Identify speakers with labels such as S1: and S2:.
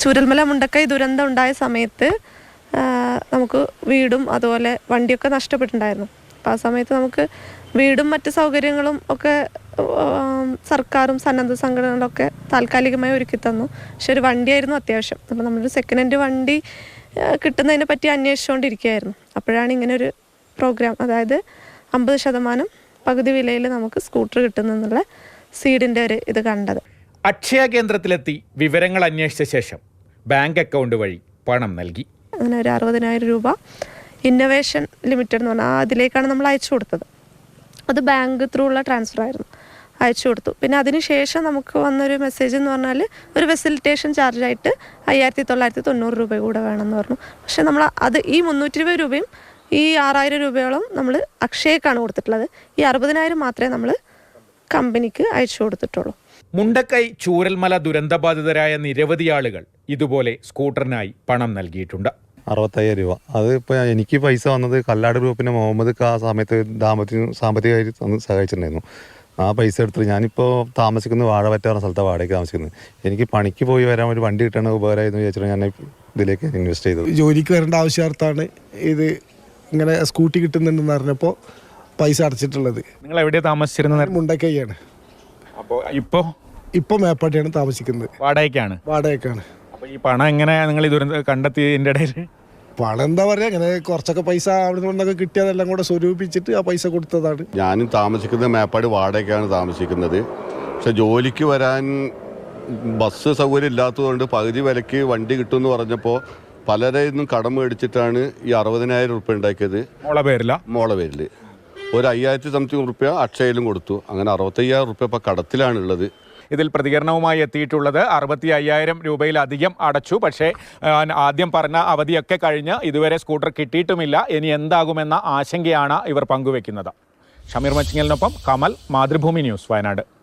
S1: ചൂരൽമല മുണ്ടക്കൈ ദുരന്തം ഉണ്ടായ സമയത്ത് നമുക്ക് വീടും അതുപോലെ വണ്ടിയൊക്കെ നഷ്ടപ്പെട്ടിട്ടുണ്ടായിരുന്നു. അപ്പോൾ ആ സമയത്ത് നമുക്ക് വീടും മറ്റ് സൗകര്യങ്ങളും ഒക്കെ സർക്കാരും സന്നദ്ധ സംഘടനകളൊക്കെ താൽക്കാലികമായി ഒരുക്കി തന്നു. പക്ഷെ ഒരു വണ്ടിയായിരുന്നു അത്യാവശ്യം. അപ്പോൾ നമ്മളൊരു സെക്കൻഡ് ഹാൻഡ് വണ്ടി കിട്ടുന്നതിനെ പറ്റി അന്വേഷിച്ചുകൊണ്ടിരിക്കുകയായിരുന്നു. അപ്പോഴാണ് ഇങ്ങനെ ഒരു പ്രോഗ്രാം, അതായത് 50% പകുതി വിലയിൽ നമുക്ക് സ്കൂട്ടർ കിട്ടുന്നെന്നുള്ള സീഡിൻ്റെ ഒരു ഇത് കണ്ടത്.
S2: അക്ഷയ കേന്ദ്രത്തിലെത്തി വിവരങ്ങൾ അന്വേഷിച്ച ശേഷം ബാങ്ക് അക്കൗണ്ട് വഴി പണം നൽകി.
S1: അങ്ങനെ ഒരു 60,000 രൂപ ഇന്നൊവേഷൻ ലിമിറ്റഡ് എന്ന് പറഞ്ഞാൽ അതിലേക്കാണ് നമ്മൾ അയച്ചു കൊടുത്തത്. അത് ബാങ്ക് ത്രൂ ഉള്ള ട്രാൻസ്ഫർ ആയിരുന്നു, അയച്ചു കൊടുത്തു. പിന്നെ അതിനുശേഷം നമുക്ക് വന്നൊരു മെസ്സേജ് എന്ന് പറഞ്ഞാൽ ഒരു ഫെസിലിറ്റേഷൻ ചാർജായിട്ട് 5,990 രൂപ കൂടെ വേണമെന്ന് പറഞ്ഞു. പക്ഷേ നമ്മൾ അത് ഈ 320 രൂപയും ഈ 6,000 രൂപയോളം നമ്മൾ അക്ഷയക്കാണ് കൊടുത്തിട്ടുള്ളത്. ഈ 60,000 മാത്രമേ നമ്മൾ കമ്പനിക്ക് അയച്ചു കൊടുത്തിട്ടുള്ളൂ.
S2: മുണ്ടക്കൈ ചൂരൽമല ദുരന്തബാധിതരായ നിരവധി ആളുകൾ ഇതുപോലെ സ്കൂട്ടറിനായി പണം നൽകിയിട്ടുണ്ട്.
S3: 65,000 രൂപ. അത് ഇപ്പോൾ എനിക്ക് പൈസ വന്നത് കല്ലാട് ഗ്രൂപ്പിൻ്റെ മുഹമ്മദ് ആ സമയത്ത് സാമ്പത്തികമായി സഹായിച്ചിട്ടുണ്ടായിരുന്നു. ആ പൈസ എടുത്തിട്ട് ഞാനിപ്പോൾ താമസിക്കുന്നത് വാഴവറ്റ പറഞ്ഞ സ്ഥലത്താണ് വാടകയ്ക്ക് താമസിക്കുന്നത്. എനിക്ക് പണിക്ക് പോയി വരാൻ ഒരു വണ്ടി കിട്ടണ ഉപകാരമായിരുന്നു വിചാരിച്ചിട്ട് ഞാൻ ഇതിലേക്ക് ഇൻവെസ്റ്റ് ചെയ്തു.
S4: ജോലിക്ക് വരേണ്ട ആവശ്യാർത്ഥാണ് ഇത് ഇങ്ങനെ സ്കൂട്ടി കിട്ടുന്നുണ്ടെന്ന് പറഞ്ഞപ്പോൾ പൈസ അടച്ചിട്ടുള്ളത്.
S2: നിങ്ങൾ എവിടെയാണ് താമസിച്ചിരുന്നത്?
S4: മുണ്ടക്കൈയാണ്.
S2: അപ്പോൾ ഇപ്പോൾ
S4: മേപ്പാട്ടിയാണ് താമസിക്കുന്നത്.
S2: വാടകയ്ക്കാണ്?
S4: വാടകയ്ക്കാണ്.
S2: അപ്പോൾ ഈ പണം എങ്ങനെ നിങ്ങൾ ഈ ദുരന്തം കണ്ടെത്തിയതിൻ്റെ ഇടയിൽ?
S4: പണം എന്താ പറയുക, അങ്ങനെ കുറച്ചൊക്കെ പൈസ അവിടെ നിന്നൊക്കെ കിട്ടിയതെല്ലാം കൂടെ സ്വരൂപിച്ചിട്ട് ആ പൈസ കൊടുത്തതാണ്.
S5: ഞാനും താമസിക്കുന്നത് മേപ്പാടി വാടകയ്ക്കാണ് താമസിക്കുന്നത്. പക്ഷെ ജോലിക്ക് വരാൻ ബസ് സൗകര്യം ഇല്ലാത്തതുകൊണ്ട് പകുതി വിലയ്ക്ക് വണ്ടി കിട്ടുമെന്ന് പറഞ്ഞപ്പോൾ പലരെയും കടം മേടിച്ചിട്ടാണ് ഈ 60,000 രൂപ ഉണ്ടാക്കിയത്. മോളെ പേരിൽ ഒരു 5,000 സംതിങ് രൂപ അക്ഷയയിലും കൊടുത്തു. അങ്ങനെ 65,000 രൂപ ഇപ്പോൾ കടത്തിലാണുള്ളത്.
S2: ഇതിൽ പ്രതികരണവുമായി എത്തിയിട്ടുള്ളത് 65,000 രൂപയിലധികം അടച്ചു. പക്ഷേ ആദ്യം പറഞ്ഞ അവധിയൊക്കെ കഴിഞ്ഞ് ഇതുവരെ സ്കൂട്ടർ കിട്ടിയിട്ടുമില്ല. ഇനി എന്താകുമെന്ന ആശങ്കയാണ് ഇവർ പങ്കുവെക്കുന്നത്. ഷമീർ മച്ചിങ്ങലിനൊപ്പം കമൽ, മാതൃഭൂമി ന്യൂസ്, വയനാട്.